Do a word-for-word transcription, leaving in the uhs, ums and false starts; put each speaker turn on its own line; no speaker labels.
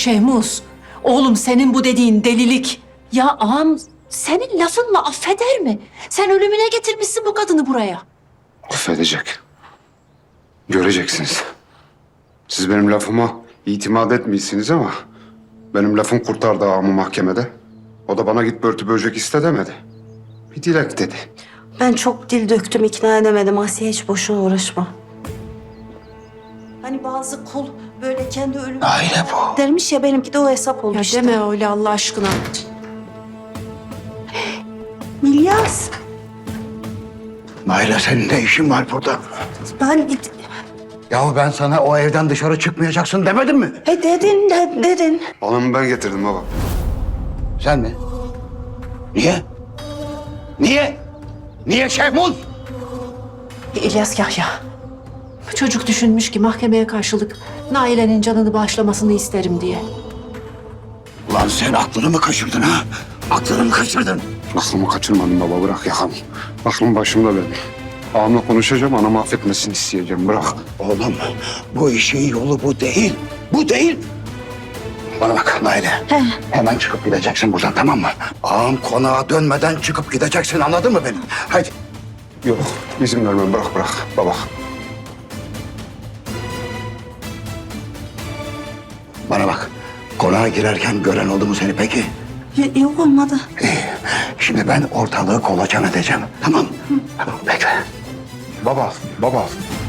Şehmuz, oğlum senin bu dediğin delilik. Ya ağam senin lafınla affeder mi? Sen ölümüne getirmişsin bu kadını buraya.
Affedecek. Göreceksiniz. Siz benim lafıma itimat etmiyorsunuz ama benim lafım kurtardı ağamı mahkemede. O da bana git börtü böcek iste demedi. Bir dilek dedi.
Ben çok dil döktüm, ikna edemedim. Asiye hiç boşuna uğraşma. Hani bazı kul böyle kendi ölümü
Aile bu.
dermiş ya, benimki de o hesap oldu
Ya
işte.
deme öyle Allah aşkına.
İlyas,
Naile senin ne işin var burada?
ben...
Yahu ben sana o evden dışarı çıkmayacaksın demedim mi?
He dedin, de, dedin.
Hanımı ben getirdim baba.
Sen mi? Niye? Niye? Niye Şehmuz?
İlyas Yahya. Çocuk düşünmüş ki mahkemeye karşılık Naile'nin canını bağışlamasını isterim diye.
Ulan sen aklını mı kaçırdın ha? Aklını mı kaçırdın?
Aklımı kaçırmadım baba, bırak yakamı. Aklım başımda benim. Ağamla konuşacağım, anamı affetmesini isteyeceğim, bırak.
Oğlum bu işin yolu bu değil. Bu değil. Bana bak Naile. Hemen çıkıp gideceksin buradan, tamam mı? Ağam konağa dönmeden çıkıp gideceksin, anladın mı beni? Hadi.
Yok, izin vermem, bırak bırak baba.
Bana bak. Konağa girerken gören oldu mu seni peki?
Y- yok olmadı.
İyi. Şimdi ben ortalığı kolaçan edeceğim. Tamam. Tamam bekle.
Baba, baba.